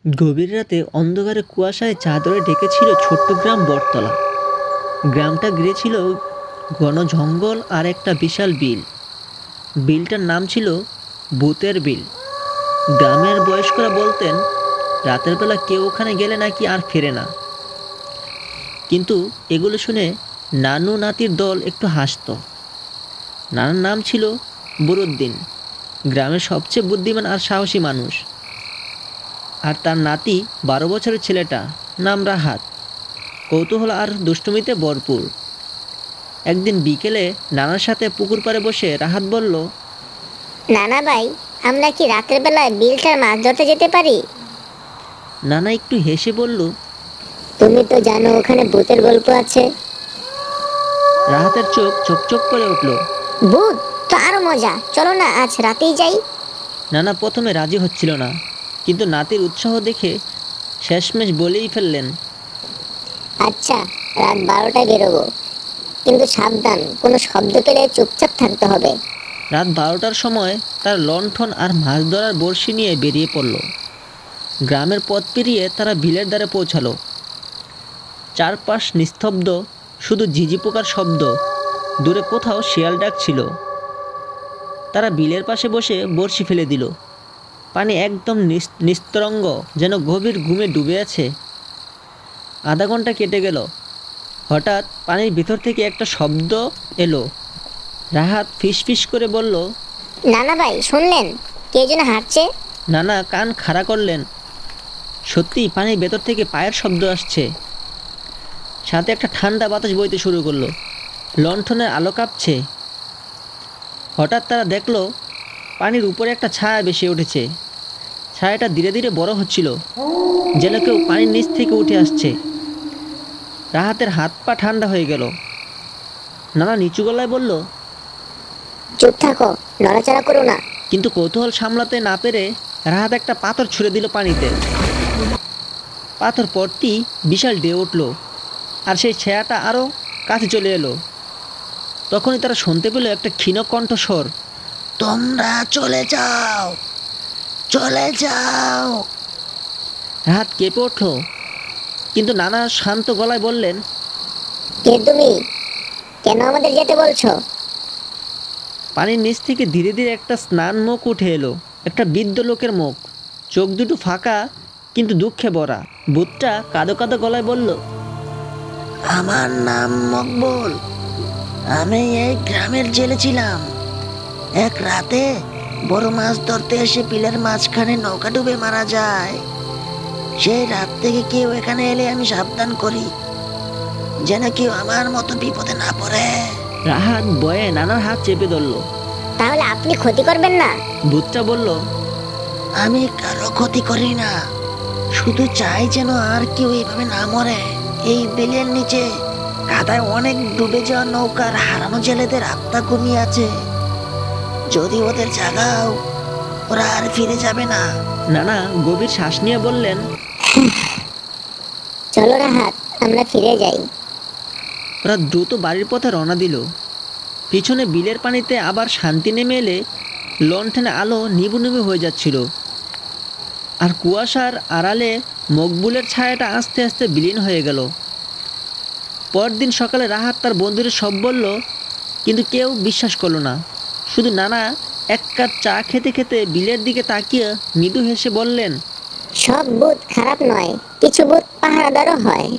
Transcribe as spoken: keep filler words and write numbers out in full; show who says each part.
Speaker 1: গভীর রাতে অন্ধকারে কুয়াশায় চাদরে ঢেকেছিল ছোট্ট গ্রাম বটতলা। গ্রামটা ঘিরে ছিল ঘন জঙ্গল আর একটা বিশাল বিল। বিলটার নাম ছিল ভূতের বিল। গ্রামের বয়স্করা বলতেন রাতের বেলা কেউ ওখানে গেলে নাকি আর ফেরে না। কিন্তু এগুলো শুনে নানু নাতির দল একটু হাসত। নানার নাম ছিল বরুদ্দিন, গ্রামের সবচেয়ে বুদ্ধিমান আর সাহসী মানুষ। আর তার নাতি বারো বছরের ছেলেটা, নাম রাহাত, কৌতূহল আর দুষ্টুমিতে ভরপুর। একদিন বিকেলে নানার সাথে পুকুর পাড়ে বসে রাহাত বলল,
Speaker 2: নানা ভাই, আমরা কি রাতের বেলায় বিলটার মাছ ধরতে যেতে পারি?
Speaker 1: নানা একটু হেসে বলল,
Speaker 2: তুমি তো জানো ওখানে ভূতের গল্প আছে।
Speaker 1: রাহাতের চোখ চকচক করে উঠল।
Speaker 2: ভূত তো আরো মজা, চলো না আজ রাতেই যাই।
Speaker 1: নানা প্রথমে রাজি হচ্ছিল না, কিন্তু নাতির উৎসাহ দেখে শেষমেশ বলেই ফেললেন,
Speaker 2: আচ্ছা, রাত বারোটায় বেরোবো, কিন্তু সাবধান, কোনো শব্দ পেলে চুপচাপ থাকতে হবে।
Speaker 1: রাত বারোটার সময় তার লণ্ঠন আর মাছ ধরার বড়শি নিয়ে বেরিয়ে পড়ল। গ্রামের পথ পেরিয়ে তারা বিলের ধারে পৌঁছালো। চারপাশ নিস্তব্ধ, শুধু ঝিঝি পোকার শব্দ। দূরে কোথাও শিয়াল ডাক ছিল। তারা বিলের পাশে বসে বড়শি ফেলে দিল। পানি একদম নিস্তরঙ্গ, যেন গভীর ঘুমে ডুবে আছে। আধা ঘন্টা কেটে গেল। হঠাৎ পানির ভিতর থেকে একটা শব্দ এলো। রাহাত ফিসফিস করে বলল,
Speaker 2: নানা ভাই, শুনলেন? কে যেন হাঁটছে।
Speaker 1: নানা কান খাড়া করলেন। সত্যি পানির ভেতর থেকে পায়ের শব্দ আসছে। সাথে একটা ঠান্ডা বাতাস বইতে শুরু করলো। লণ্ঠনের আলো কাঁপছে। হঠাৎ তারা দেখলো পানির উপরে একটা ছায়া ভেসে উঠেছে। ছায়াটা ধীরে ধীরে বড় হচ্ছিল, যেন কেউ পানির নিচ থেকে উঠে আসছে। রাহাতের হাত পা ঠান্ডা হয়ে গেল। নানা নিচু গলায় বলল,
Speaker 2: চুপ থাকো, নড়াচড়া করো না।
Speaker 1: কিন্তু কৌতূহল সামলাতে না পেরে রাহাত একটা পাথর ছুঁড়ে দিল পানিতে। পাথর পরটি বিশাল ঢেউ উঠল, আর সেই ছায়াটা আরও কাছে চলে এলো। তখনই তারা শুনতে পেল একটা ক্ষীণ কণ্ঠস্বর, তোমরা চলে যাও, চলে যাও। রাহাত কেঁপে উঠল, কিন্তু নানা শান্ত গলায় বললেন,
Speaker 2: কে তুমি? কেন আমাদের যেতে বলছো?
Speaker 1: পানির নিচ থেকে ধীরে ধীরে একটা স্নান মুখ উঠে এলো। একটা বৃদ্ধ লোকের মুখ, চোখ দুটো ফাঁকা কিন্তু দুঃখে ভরা। ভূতটা কাঁদো কাঁদো গলায় বলল, আমার নাম মকবুল, আমি এই গ্রামের জেলে ছিলাম। এক রাতে বড় মাছ ধরতে এসে বিলের মাঝখানে নৌকা ডুবে মারা যায়। সেই রাত থেকে কেউ এখানে এলে আমি সাবধান করি, যেন কেউ আমার মতো বিপদে না পড়ে। রাহাত ভয়ে নানার হাত চেপে ধরল।
Speaker 2: তাহলে আপনি ক্ষতি করবেন না?
Speaker 1: ভূতটা বলল, আমি কারো ক্ষতি করি না, শুধু চাই যেন আর কেউ এইভাবে না মরে। এই বিলের নিচে কাদায় অনেক ডুবে যাওয়া নৌকার হারানো জেলেদের আত্মা ঘুমিয়ে আছে। যদি ওদের জাগাও, ওরা আর ফিরে যাবে না। নানা গভীর শ্বাস নিয়ে বললেন,
Speaker 2: চলো রাহাত, আমরা ফিরে যাই।
Speaker 1: ওরা দ্রুত বাড়ির পথে রওনা দিল। পিছনে বিলের পানিতে আবার শান্তি নেমে এলে লণ্ঠনে আলো নিবু নিবু হয়ে যাচ্ছিল, আর কুয়াশার আড়ালে মকবুলের ছায়াটা আস্তে আস্তে বিলীন হয়ে গেল। পরদিন সকালে রাহাত তার বন্ধুদের সব বলল, কিন্তু কেউ বিশ্বাস করলো না। শুধু নানা এক কাপ চা খেতে খেতে বিলের দিকে তাকিয়ে মৃদু হেসে বললেন,
Speaker 2: সব ভূত খারাপ নয়, কিছু ভূত পাহারাদারও হয়।